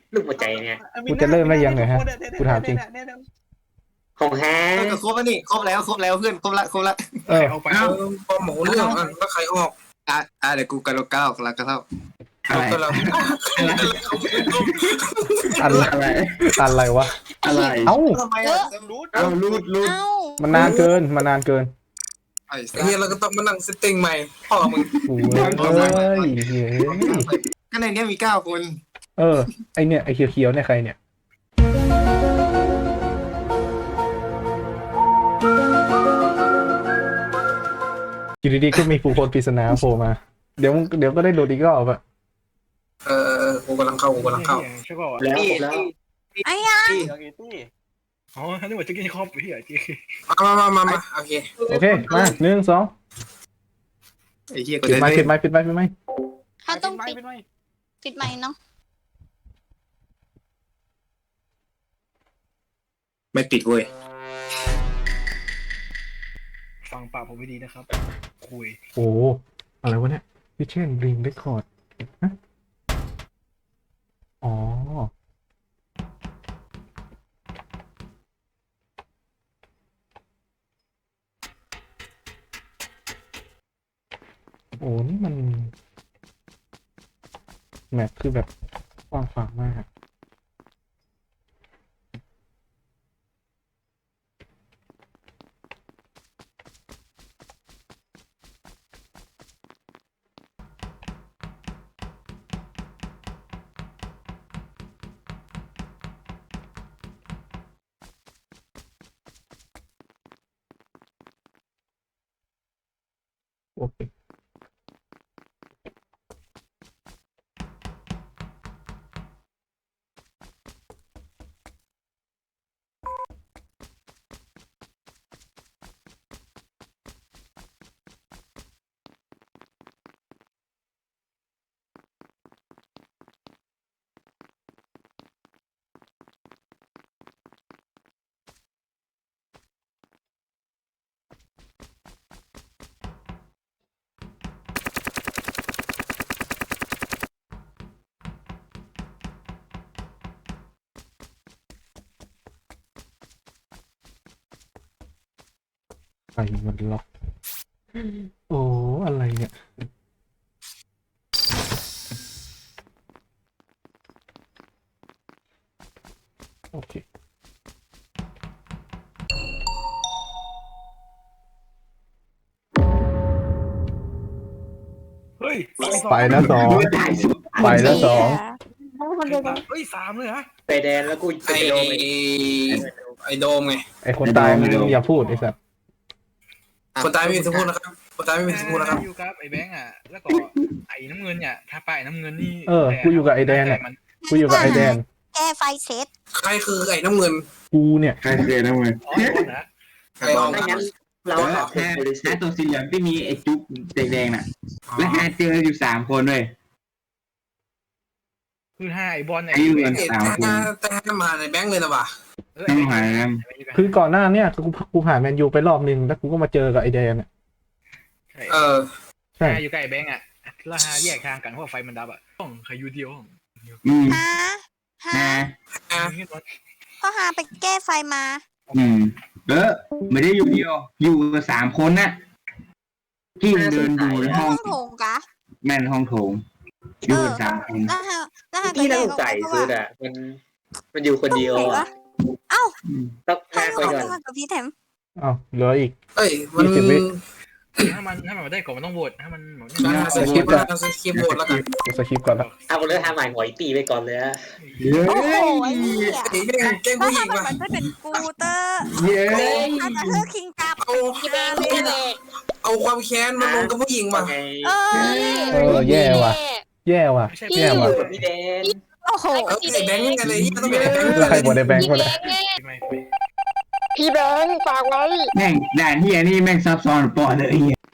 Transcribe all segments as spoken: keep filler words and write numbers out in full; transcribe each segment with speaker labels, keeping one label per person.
Speaker 1: ลูกหัวใจเนี่ย
Speaker 2: กูจะเริ่มได้ยังไงฮะกูถามจริง
Speaker 1: ของแท้
Speaker 3: เออครบแล้วนี่ครบแล้วครบแล้วเพื่อนครบละครบละ
Speaker 2: เออ
Speaker 4: เอาไป
Speaker 5: เอ้าพอหมูเรื่องอ่ะแล้วใครออก
Speaker 3: อ่ะอ่ะเดี๋ยวกูกระโดดก้าวกระกระเท่า
Speaker 5: อะไร
Speaker 3: ก็เรา
Speaker 2: อะไร
Speaker 5: อะไร
Speaker 2: อะไรวะ
Speaker 5: อะไร
Speaker 2: เอ้า
Speaker 3: ทำไมอ่ะรู้
Speaker 5: เอารูดรูด
Speaker 6: เอ้า
Speaker 2: มันนานเกินมันนานเกิน
Speaker 3: ไอ้
Speaker 5: ไอ้เฮียเราก็ต้องมานั่งเซตติ้งใหม่พ่อมึง
Speaker 2: โอ้ยเอ้ยเฮ้ย
Speaker 3: ก็ในเนี้ยมีเก้าคน
Speaker 2: เออไอเนี่ยไอเขียวๆเนี่ยใครเนี่ยอยู่ดีๆก็มีผู้คนปริศนาโผล่มาเดี๋ยวเดี๋ยวก็ได้โดดอีกรอบอะ
Speaker 5: เออกูกำลังเข้ากูกำลังเข้า
Speaker 4: ใช่ป่าว
Speaker 1: แล้วครบแล้ว
Speaker 6: ไอ้ยัง
Speaker 4: อ๋อนึกว่าจะกินครอบพี่อ่ะจี
Speaker 5: มามามามาโอเค
Speaker 2: โอเคมาหนึ่งสอง
Speaker 3: ไอ้เหี้ยก็
Speaker 2: ปิด
Speaker 3: ได้
Speaker 2: ไม้ปิดไม้ปิดไม้ปิดไม้
Speaker 6: เขาต้องปิดปิดไมค์เนาะ
Speaker 3: ไม่ปิดเว้ย
Speaker 4: ฟังปากผมไม่ดีนะครับคุย
Speaker 2: โอ้อะไรวะเนี่ยพิเชนริงเรคคอร์ดอ๋อโอ้นี่มันแมปคือแบบกว้างขวางมากโอเคไฟมันล็อกโอ้อะไรเนี่ยโอเค
Speaker 4: เฮ้ย
Speaker 2: ไปนะสองไปนะสอง
Speaker 4: เฮ้ยสามเลยฮะ
Speaker 1: ไปแดนแล้วกู
Speaker 5: ไอ
Speaker 1: จะโดนไป
Speaker 5: ไอโดมไง
Speaker 2: ไอคนตายมึงอย่าพูดไอสัตว์
Speaker 5: คนตายไม่มีสิทธิ์พูดนะครับคนตายไม่มีสิทธิ์พูดนะครับ
Speaker 4: อยู่กับไอ้แบงค์อ่ะแล้วก็ไอ้น้ำเงินเนี่ยถ้าป้ายน้ำเงินนี่
Speaker 2: เออกูอยู่กับไอแดนเนี่ยกูอยู่กับไอแดน
Speaker 6: แก้ไฟเซต
Speaker 5: ใครคือไอ้น้ำเงิน
Speaker 2: กูเนี่ย
Speaker 7: ใครเคยนะมึง
Speaker 4: อ๋อคนนะ
Speaker 5: ใครออก
Speaker 1: ไม่งั้นเรา
Speaker 7: แล้ว
Speaker 1: หาคน
Speaker 7: แค่
Speaker 1: บริสุท
Speaker 7: แค่
Speaker 1: ธิ์
Speaker 7: ตัวสีเหลืองที่มีไอ้จุ๊บแดงๆน่ะ และหาเจออยู่สามคนเลย
Speaker 4: คือห้าไอ้บอลไอ้
Speaker 7: ไอ้เงิน
Speaker 5: เอ็ด
Speaker 7: สามคน
Speaker 5: แต่แต่มาในแบงค์เลยนะว่ะ
Speaker 7: ต้องหากัน
Speaker 2: คือก่อนหน้าเนี่ยกูกูผ่านแมนยูไปรอบนึงแล้วกูก็มาเจอกับไอแดนเนี่ย
Speaker 5: เออ
Speaker 2: ใช่
Speaker 4: ห้าอยู่ใกล้แบงค์อ่ะแล้วห้าแยกทางกันเพราะไฟมันดับอ่ะต้องใครอยู่เดียว
Speaker 7: อืม
Speaker 6: ฮะฮะ
Speaker 7: นะ
Speaker 6: ก็หาไปแก้ไฟมา
Speaker 7: อืมเออไม่ได้อยู่เดียว อยู่กับสามคนน่ะที่เดินอยู่ใน
Speaker 6: ห้
Speaker 7: ห้
Speaker 6: อ
Speaker 7: อง
Speaker 6: งโถงกะ
Speaker 7: แม่นห้องโถงอยู่กันสามคน
Speaker 6: แล้วฮะแล้วฮะ
Speaker 1: ที่น่าสง
Speaker 6: ออก
Speaker 1: สัย
Speaker 6: เพราะ
Speaker 1: สุ
Speaker 6: ว่า
Speaker 1: ดอ่ะมันมันอยู่คนเดียว
Speaker 6: ไหน
Speaker 1: อ่ะ
Speaker 6: วะเอ้า
Speaker 7: อืม
Speaker 1: ต้อง
Speaker 6: ใคร
Speaker 1: ห้า
Speaker 6: อ
Speaker 1: ไป
Speaker 6: อก
Speaker 1: ก่อน
Speaker 6: มากับพี่แถม
Speaker 2: อ้าวเหลืออีก
Speaker 5: เอ้ยมัน
Speaker 2: ยี่สิบวิ
Speaker 4: ถ้ามันถ้ามันได้ก่อนมันต้องโหวตถ้ามัน
Speaker 5: การสคริปต์การสคริปต์โหวตแล้วกัน
Speaker 2: กูสคริปต์ก่อนละ
Speaker 1: เอาคนเลือกทำใหม่หอยตีไปก่อนเลยอะ
Speaker 7: เย้
Speaker 6: โอ้โหไอ้เหี้ย
Speaker 5: ไอ้แม่งแกล้ง
Speaker 6: ถ้า
Speaker 5: ผู้หญิง
Speaker 6: ทำมัน
Speaker 5: ว่ะ
Speaker 6: มันจะเป็นกูเตอร์
Speaker 7: เย้
Speaker 6: อาจจะเฮือคิงกับ
Speaker 5: เอาเอาความแค้นมาลงกับผู้หญิงว่ะ
Speaker 1: ไง
Speaker 6: เอ้ย
Speaker 2: เออแย่ว่ะ แย่ว่ะ
Speaker 4: ไม่ใช่
Speaker 2: แย่ว่ะ
Speaker 1: กับพี่แดน
Speaker 6: โอ้โห
Speaker 5: เออไอ้แบงค์นี่ไงเลยต้องเป็นไอ้แบงค์
Speaker 2: แล้วใครบดในแบงค์คนละ
Speaker 4: ไม่
Speaker 6: พี่แบงค์ฝากไว้
Speaker 7: แม่งด่านเฮียนี่แม่งซับซ้อนปอเลยไอ้เหี้ย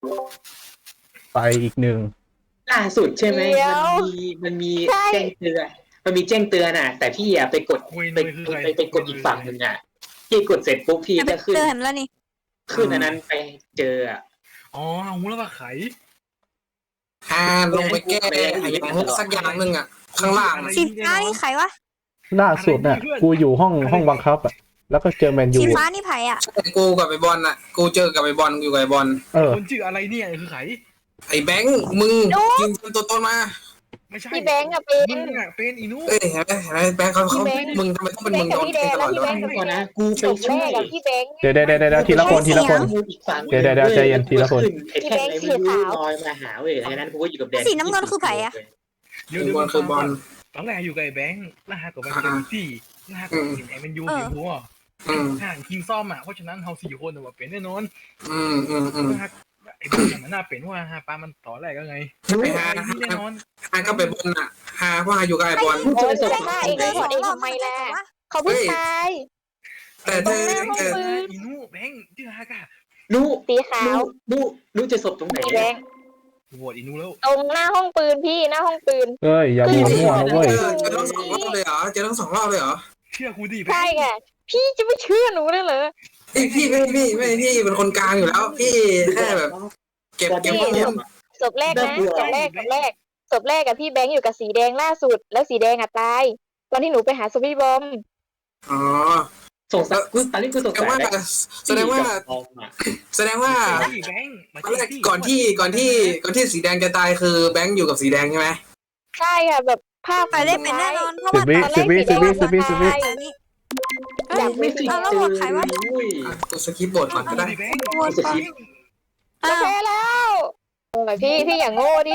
Speaker 2: ไปอีกหนึ่ง
Speaker 1: ล่าสุดใช่ไหม
Speaker 6: เดี๋ยว
Speaker 1: มันมีมันมี
Speaker 6: ใช่
Speaker 1: แจ้งเตือนมันมีแจ้งเตือนอ่ะ แต่พี่อ่ะไปกด
Speaker 4: คุย
Speaker 1: ไป
Speaker 4: นุ้ยคือใคร
Speaker 1: ไปไปกดอีกฝั่งหนึ่งอ่ะพี่กดเสร็จปุ๊บพี่
Speaker 6: จะไป
Speaker 1: ก็ขึ้น
Speaker 6: เตือนแล้วนี่
Speaker 1: ขึ้นอันนั้นไปเจออ่ะ
Speaker 4: อ๋อหูแล้วว่าไข
Speaker 5: ฮาลงไปแก้ไอ้อย่างสักอย่างหนึ่งอ่ะ ข้างล่าง
Speaker 6: สีฟ้านี่ไผ่วะ
Speaker 2: ล่าสุดน่ะกูอยู่ห้องห้องบังคับอ่ะแล้วก็เจอแมนยู
Speaker 6: สีฟ้านี่ไผ่อะ
Speaker 5: กูกับไอ้บอลน่ะ กูเจอกับไอ้บอลอยู่กับไอ้บอล
Speaker 2: เออ
Speaker 4: คนชื่ออะไรเนี่ยคือไข
Speaker 5: ไอ้แบงค์มึงยิงตัวตนมา
Speaker 4: ไม่ใช่
Speaker 6: พี่แบงค์อะเป็น
Speaker 4: มึงอะเป็นอีนุ
Speaker 5: เอ้ยเห็นไหมเห็นไหมแบงค์เขาเขา
Speaker 6: พี่แบงค์
Speaker 5: มึงทำไมต้องเป็น
Speaker 6: พี่
Speaker 5: มึง
Speaker 6: แบงค์
Speaker 5: โด
Speaker 6: กับ
Speaker 5: น
Speaker 6: พี่แด
Speaker 5: เตะ
Speaker 6: ง
Speaker 5: ต
Speaker 6: แล้ว
Speaker 5: ลอด
Speaker 6: พี่แบงค์กับ
Speaker 1: ก่อนนะกู
Speaker 6: จ
Speaker 1: ไป
Speaker 6: บ
Speaker 1: ช่
Speaker 6: แร
Speaker 1: วย
Speaker 6: กกับพี่แบงค์
Speaker 2: เดี๋ยวเดี๋ยวเดี๋ยวทีละคนทีละคน
Speaker 1: อีกฝั่ง
Speaker 2: เดี๋ยวเดี๋ยวเดี๋ยวใจเย็นทีละคน
Speaker 1: ไอ้แท่งอะไรไม่รู้ลอยมาหาเว้ยดังนั้นกูก็อยู่กับแดน
Speaker 6: สีน้ำเงินคือไผ่อะ
Speaker 4: เดี๋ยว
Speaker 5: ไอ้
Speaker 4: เดี๋ยว
Speaker 5: บอลคือบอล
Speaker 4: ตอนแรกอยู่กับไอ้แบงค์แล้วหากับแบงค์เป็นที่แล้วหากับเห็นไอ้มันยูเห็นหัว
Speaker 5: อืม
Speaker 4: ห่างคิงซ่อมอ่ะเพราะฉะนั้นเฮาสี่คนว่าเป็นแน่นอน
Speaker 5: อืมอืมอืม
Speaker 4: แล้วหาไอ้แบงค์มันน่าเป็นว่าฮาปามันต่อแรกก็ไง
Speaker 5: ไอ้ฮา
Speaker 4: ไอ้ที่แน่นอน
Speaker 5: ฮาก็ไปบอลน่ะฮาเพราะฮาอยู่กับไอ้บอล
Speaker 6: โอ้ยจะฆ่าเองเลยเองทำไมล่ะเขาเพิ่งตาย
Speaker 5: แต่เธอ
Speaker 6: ตรงหน้าห้อง
Speaker 5: เออ
Speaker 6: ปืน
Speaker 4: อีนุแบงค์ชื่อฮากะ
Speaker 1: นู้
Speaker 6: สีขาว
Speaker 1: นู้นู้จะศพตรงไหน
Speaker 6: พี่แบงค์
Speaker 4: โหวตอีนุแล้ว
Speaker 6: ตรงหน้าห้องปืนพี่หน้าห้องปืน
Speaker 2: เอ้ยอย่าโหวตมั่วนะเว้ย
Speaker 5: เจอทั้งสองรอบเลยเหรอเจอทั้งสองรอบเลยเหรอ
Speaker 4: เชื่อกูดิแบ
Speaker 6: ใช่
Speaker 4: งค์
Speaker 6: ไงพี่จะไม่เชื่อหนูได้เหรอ
Speaker 5: ไอ้พี่ไม่พี่ไม่พี่เป็นคนกลางอยู่แล้ว พี่แค่แบบ เก็บเก็บข้อมูล
Speaker 6: ศพแรกนะศพแรกศพแรกศพแรกกับพี่แบงค์อยู่กับสีแดงล่าสุด แล้วสีแดงอะตายตอนที่หนูไปหาศพพี่บอม
Speaker 5: อ๋อ
Speaker 1: สงสัยกูตอนนี้กูสง
Speaker 5: แสด
Speaker 1: สั
Speaker 5: ง
Speaker 1: ย
Speaker 5: ว่า
Speaker 1: แล้ว
Speaker 5: แสดงว่า
Speaker 1: ออกมา
Speaker 5: แสดงว่า
Speaker 4: ไอ้แบงค์มา
Speaker 5: ตอนแรกก่อนที่ก่อนที่ก่อนที่สีแดงจะตายคือแบงค์อยู่กับสีแดงใช่ไหม
Speaker 6: ใช่ค่ะแบบภาพ
Speaker 8: ไปได้เป็นแน่นอนเพราะ
Speaker 2: สิบ
Speaker 8: ว่า
Speaker 2: วิสิบวิสิบวิสิบวิสิบวิ
Speaker 8: อันนี้
Speaker 6: อยาก
Speaker 1: ไม่
Speaker 6: ไม่
Speaker 1: ติด
Speaker 6: เอาแล้ว
Speaker 1: เจ
Speaker 6: หม
Speaker 1: อ
Speaker 6: ดใครวะ
Speaker 1: อุ้ย
Speaker 5: อ่ะกูสกิปบทก่อนก็ได้
Speaker 4: แบงค์
Speaker 8: โหวตไป
Speaker 6: โอเคแล้วโอ้ยพี่พี่อย่างโง่ดิ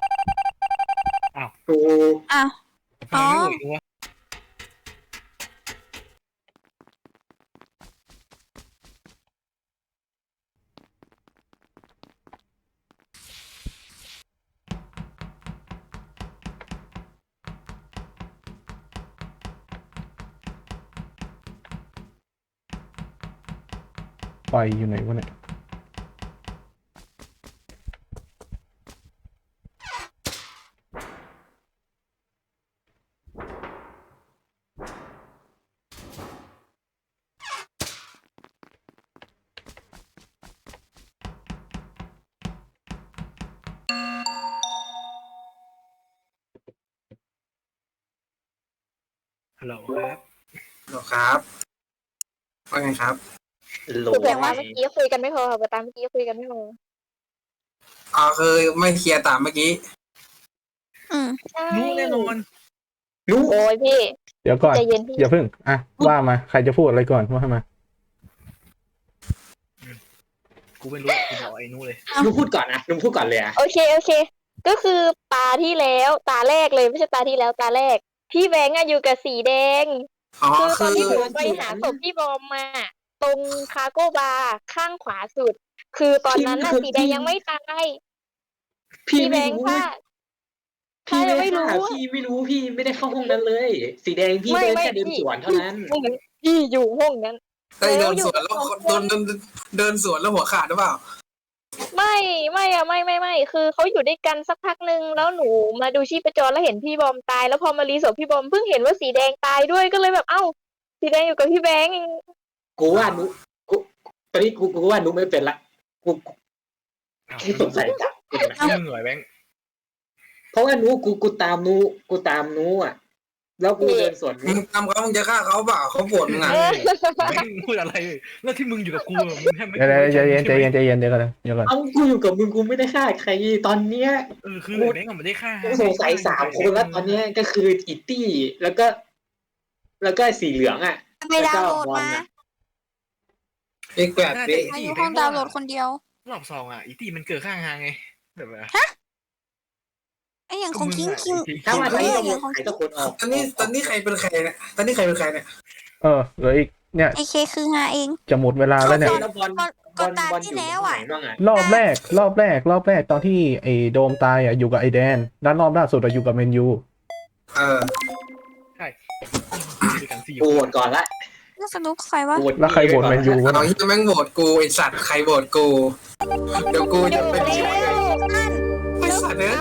Speaker 1: กู
Speaker 8: อ้าว อ๋อ
Speaker 2: ไฟอยู่ไหนวะเนี่ย
Speaker 4: ฮัลโหลครับ
Speaker 5: หรอครับว่าไงครับ
Speaker 1: โหล
Speaker 6: คือแบบว่าเมื่อกี้คุยกันไม่พอค่ะตามเมื่อกี้คุยกันไม่พอ
Speaker 5: อ๋อคือไม่เคลียร์ตามเมื่อกี้
Speaker 8: อืม
Speaker 6: ใช่
Speaker 4: รู้แน่นอน
Speaker 1: นู้
Speaker 6: โอ้ยพี่
Speaker 2: เดี๋ยวก่อน
Speaker 6: ใจเย็นพี่
Speaker 2: อย่าเพิ่งอ่ะว่ามาใครจะพูดอะไรก่อนว่ามา
Speaker 4: กูไม่รู้กูบอกไอ้นุเลย
Speaker 1: นู้พูดก่อนนะนู้พูดก่อนเลยอะ
Speaker 6: โอเคโอเค ก็คือตาที่แล้วตาแรกเลยไม่ใช่ตาที่แล้วตาแรก พี่แบงค์อะอยู่กับสีแดง
Speaker 5: อ๋อ
Speaker 6: คือต
Speaker 5: คื
Speaker 6: อน
Speaker 5: อ
Speaker 6: ที่หนูไปหาศพพี่บอมมา ตรงคาร์โก้บาร์ข้างขวาสุด คือตอนนั้นน่ะสีแดงยังไม่ตาย
Speaker 1: พี่
Speaker 6: พี่แบ
Speaker 1: ไม่
Speaker 6: งค์
Speaker 1: รู้
Speaker 6: ค่ะ
Speaker 1: พี่
Speaker 6: ใคร
Speaker 1: ไม่
Speaker 6: ไม่รู้
Speaker 1: รู้
Speaker 6: อะ
Speaker 1: พี่ไม่รู้พี่ไม่ได้เข้าห้องนั้นเลย สีแดงพี่
Speaker 6: ไม่
Speaker 1: เดิน
Speaker 6: ไม่
Speaker 1: แค่เดิน
Speaker 6: พี่
Speaker 1: สวนเท่านั้น
Speaker 6: พี่อยู่ห้องนั้น
Speaker 5: ได้เดิน
Speaker 6: แล้วอยู่
Speaker 5: สวนแล้ว
Speaker 6: สองคน
Speaker 5: โดนเดินเดินสวนแล้วหัวขาดหรือเปล่า
Speaker 6: ไม่ไม่อะไม่ไม่ไม่คือเขาอยู่ด้วยกันสักพักหนึ่งแล้วหนูมาดูชีพจรแล้วเห็นพี่บอมตาย แล้วพอมารีศพพี่บอมเพิ่งเห็นว่าสีแดงตายด้วยก็เลยแบบเอ้า สีแดงอยู่กับพี่แบงค์
Speaker 1: กูว่านุกูตอนนี้กูกูว่านุไม่เป็นละกูกูแค่สงสัยจับคนนะ
Speaker 4: มึงเหนื่อยแบงค์
Speaker 1: เพราะว่านุกูกูตามนุกูตามนุอ่ะ แล้วกูเดินสวน
Speaker 5: มึ
Speaker 1: นุ
Speaker 5: งทำเขามึงจะฆ่าเขาเปล่าเขาปวดมึงอ่ะ
Speaker 6: เออ
Speaker 4: แบงค์พูดอะไรแล้วที่มึงอยู่กับกูอะมึงแทบไม่
Speaker 2: เดี๋ยวเดี๋ยวใจเย็นใจเย็นใจเย็นเดี๋ยวก่อนเดี๋ยวก่อน
Speaker 1: เอากูอยู่กับมึงกูไม่ได้ฆ่าใครตอนเนี้ย
Speaker 4: เออคือไอ้แบงค์ก็ไม่ได้ฆ่า
Speaker 1: กูสงสัยสามคนแล้วตอนเนี้ยก็คืออิตตี้แล้วก็ แล้วก็สีเหลืองอ่ะ
Speaker 8: ไปดาวน์โหลดมา
Speaker 5: เอกแปดดิ
Speaker 8: อายุห้องดาวน์โหลดคนเดียว
Speaker 4: รอบสองอ่ะอีตี้มันเกิดข้างทางไงแบบว่า
Speaker 8: ไอ้อย่างของคิงคิง
Speaker 1: ถ้าว่าตอนนี้เรา
Speaker 8: เออ
Speaker 1: หมดใครสักคนออก
Speaker 5: ตอนนี้ตอนนี้ใครเป็นใครเนี่ยตอนนี้ใครเป็นใครเนี่ย
Speaker 2: เออเหลืออีกเนี่ย
Speaker 8: ไอเคคือฮาเอง
Speaker 2: จะหมดเวลาแล้วเนี่ย
Speaker 1: แล้วบอล
Speaker 8: ก่อน
Speaker 1: บ
Speaker 8: ก่อ
Speaker 1: อน ล
Speaker 8: ตา
Speaker 1: บอลอ
Speaker 8: ที่
Speaker 1: ยู่
Speaker 8: แล้ว
Speaker 1: ไหน
Speaker 8: อ่ะ
Speaker 1: บ้างอ่ะ
Speaker 2: รอบแรก รอบแรก รอบแรกตอนที่ไอ้โดมตายอ่ะอยู่กับไอ้แดนด้านรอบล่าสุดอะอยู่กับเมนยู
Speaker 5: เออ
Speaker 4: ใช่ด้วยกันสี่
Speaker 1: กู
Speaker 4: ค
Speaker 1: โหวต
Speaker 4: น
Speaker 1: ก่อนละ
Speaker 8: แล้วสรุปใครวะ
Speaker 1: โหวต
Speaker 2: แล้วใครโหวตแมนยูวะ
Speaker 5: เอาที่แม่งโหวตกูไอสัตว์ใครโหวตกูเดี๋ยวกูจะเป็นไอสัตว์เนี่ย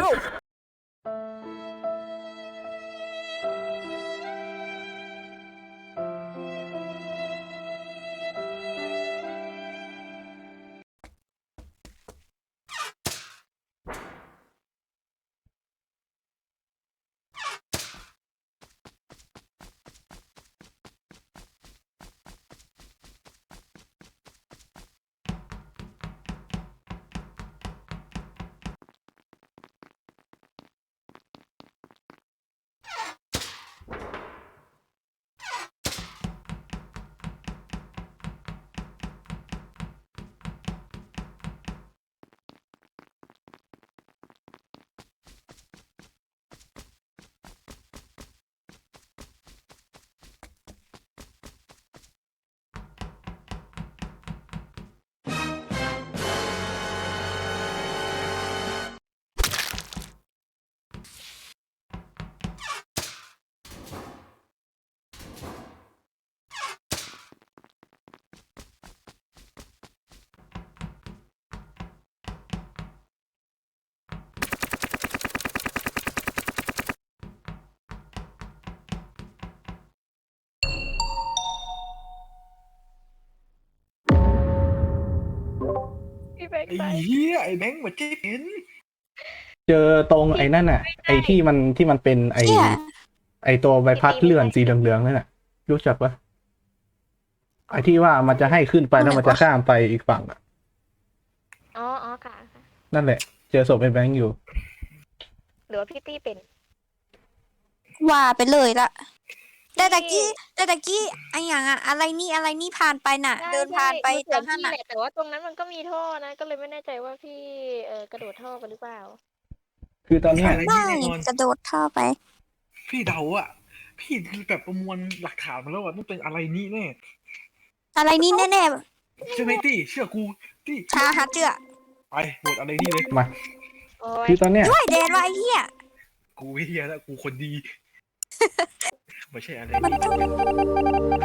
Speaker 6: พี่แบงค์
Speaker 4: ไอ้
Speaker 6: ตาย
Speaker 4: เหี้ยไอ้แบงค์มาเจ๊เห็น
Speaker 2: เจอตรงไอ้นั่นน่ะ ไอ้ที่มันที่มันเป็นไอ้
Speaker 8: เชี่ย
Speaker 2: ไอ้ตัวใบพัดเลื่อนสีเหลืองๆนั่นน่ะ รู้จักปะไอ้ที่ว่ามันจะให้ขึ้นไปแล้วมันจะข้ามไปอีกฝั่งอะ
Speaker 6: อ๋ออ๋อค่ะค่ะ
Speaker 2: นั่นแหละ เจอศพไอ้แบงค์อยู่
Speaker 6: หรือว่าพี่ตี้เป็น
Speaker 8: ว่าไปเลยละแต่ตะกี้แต่ตะกี้ไออย่างอะอะไรนี่อะไรนี่ผ่านไปน่ะ
Speaker 6: ใช่
Speaker 8: เดินผ่านไป
Speaker 6: ใช่
Speaker 8: ทาง
Speaker 6: มั
Speaker 8: นั้น
Speaker 6: น
Speaker 8: น่ะ
Speaker 6: เห็นพี่แหละแต่ว่าตรงนั้นมันก็มีท่อนะ ก็เลยไม่แน่ใจว่าพี่เออกระโดดท่อไปหรือเปล่า
Speaker 2: คือตอนเนี้ย
Speaker 4: อะไร
Speaker 8: ไม่
Speaker 4: นี่แน่นอน
Speaker 8: กระโดดท่อไป
Speaker 4: พี่เดาอะพี่แบบประมวลหลักฐานมาแล้วว่าต้องเป็นอะไรนี่แน่
Speaker 8: อะไรนี่แน่
Speaker 4: ใช่ไหมตี้เชื่อกูตี้
Speaker 8: ๆชาฮัตเจือ
Speaker 4: ไปโหวตอะไรนี่เลย
Speaker 2: มา
Speaker 6: โอ้ย
Speaker 2: คือตอนเนี้ย
Speaker 8: ด้วยแดนว่าไอ้เหี้ย
Speaker 4: กูไม่เฮียแล้วกูคนดี ไม่ใช่อะไร
Speaker 8: มัน
Speaker 4: นี่
Speaker 8: ต้อง
Speaker 4: ไอ้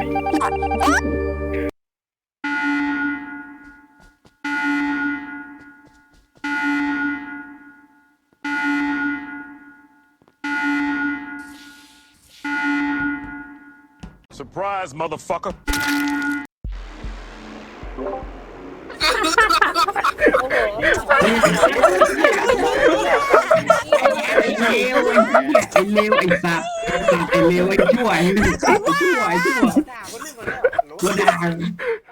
Speaker 9: Surprise, motherfucker.
Speaker 6: โอ้โห
Speaker 7: ไอ้เลวไอ้เหี้ยไอ้เลวไอ้สัตว์ไอ้สัตว์ไอ้เลวไอ้ชั่วไอ้ชั่วไอ้ชั่วไอ้ชั่ว
Speaker 9: ด่าคนนึงก่อนแล้ว
Speaker 7: ตัวด่าง